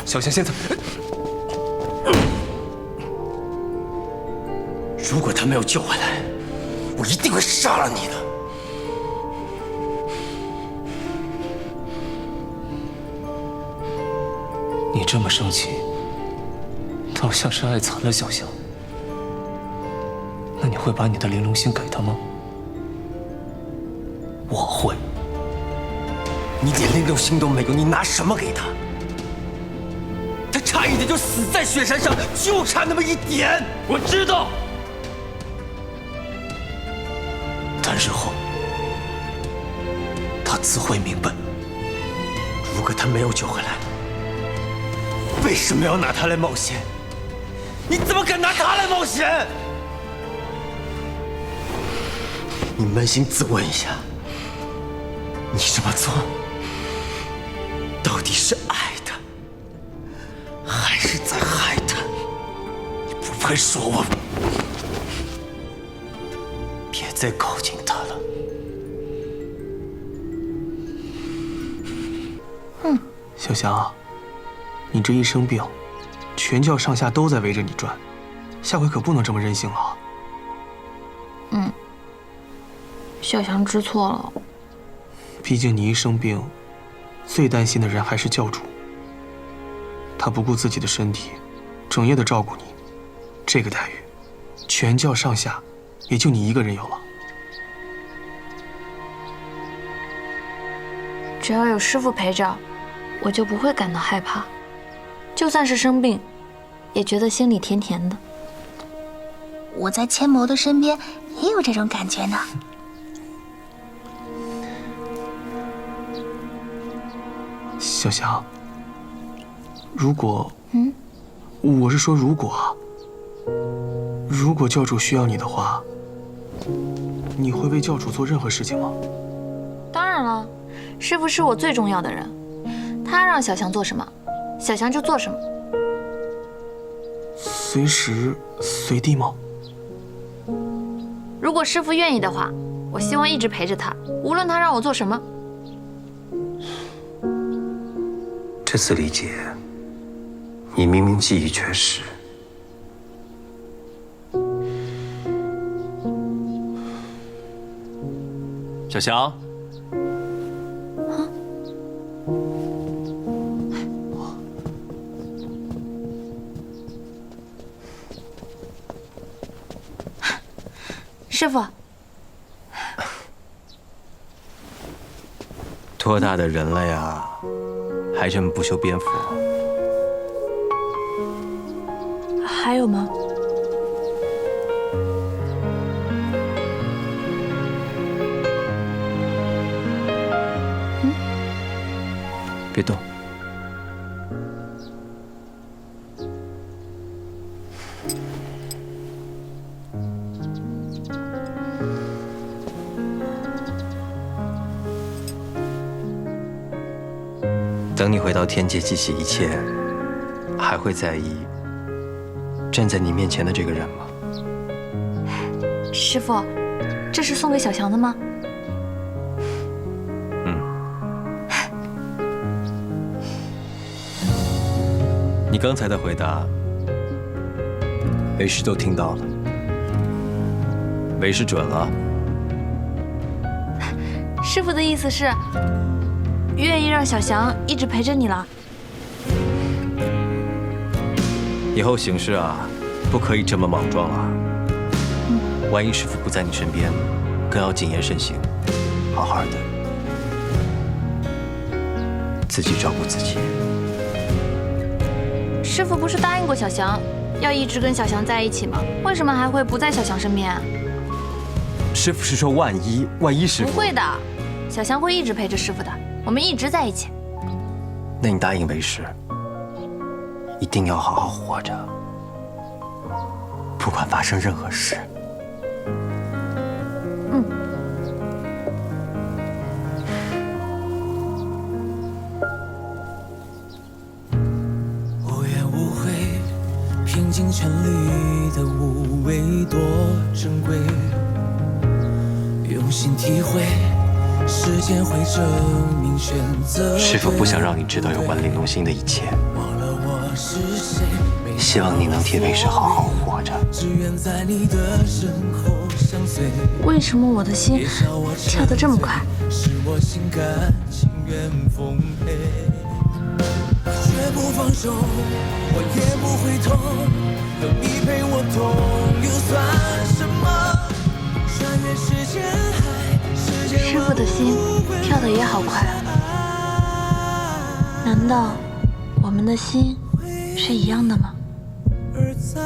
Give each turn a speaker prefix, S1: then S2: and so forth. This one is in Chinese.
S1: 小香现在，
S2: 如果他没有救回来，我一定会杀了你的。
S1: 你这么生气，倒像是爱惨了小香。那你会把你的玲珑心给他吗？我会。
S2: 你连玲珑心都没有，你拿什么给他？他差一点就死在雪山上，就差那么一点。我知道。
S1: 但日后他自会明白。
S2: 如果他没有救回来，为什么要拿他来冒险？你怎么敢拿他来冒险？你扪心自问一下，你这么做到底是爱他，还是在害他？你不配说我。别再靠近他了。
S1: 小香，你这一生病，全教上下都在围着你转，下回可不能这么任性了啊。
S3: 小香知错了。
S1: 毕竟你一生病，最担心的人还是教主。他不顾自己的身体，整夜的照顾你，这个待遇，全教上下也就你一个人有了。
S3: 只要有师父陪着，我就不会感到害怕。就算是生病，也觉得心里甜甜的。
S4: 我在千谋的身边也有这种感觉呢。
S1: 小香，如果，我是说如果啊，如果教主需要你的话，你会为教主做任何事情吗？
S3: 当然了，师父是我最重要的人，他让小香做什么，小香就做什么。
S1: 随时随地吗？
S3: 如果师父愿意的话，我希望一直陪着他，无论他让我做什么。
S2: 这次理解，你明明记忆缺失。
S5: 小翔，
S3: 师父，
S5: 多大的人了呀，还这么不修边幅？
S3: 还有吗？
S5: 别动。等你回到天界，记起一切，还会在意站在你面前的这个人吗？
S3: 师父，这是送给小翔的吗？
S5: 你刚才的回答，为师都听到了，为师准了。
S3: 师父的意思是，愿意让小翔一直陪着你了。
S5: 以后行事啊，不可以这么莽撞啊！万一师父不在你身边，更要谨言慎行，好好的，自己照顾自己。
S3: 师父不是答应过小翔，要一直跟小翔在一起吗？为什么还会不在小翔身边啊？
S5: 师父是说万一师父
S3: 不会的，小翔会一直陪着师父的，我们一直在一起。
S5: 那你答应为师，一定要好好活着，不管发生任何事。
S6: 无怨无悔，拼尽全力的无畏多珍贵，用心体会，时间会证明选择。
S5: 师父不想让你知道有关玲珑心的一切。
S6: 忘了
S5: 希望你能替为师好好活着。
S3: 为什么我的心跳得这么快？
S6: 绝不放手，我也不会痛，有你陪我痛又算什么？穿越时间海，时间
S3: 师傅的心跳得也好快啊！难道我们的心是一样的吗？
S6: 而在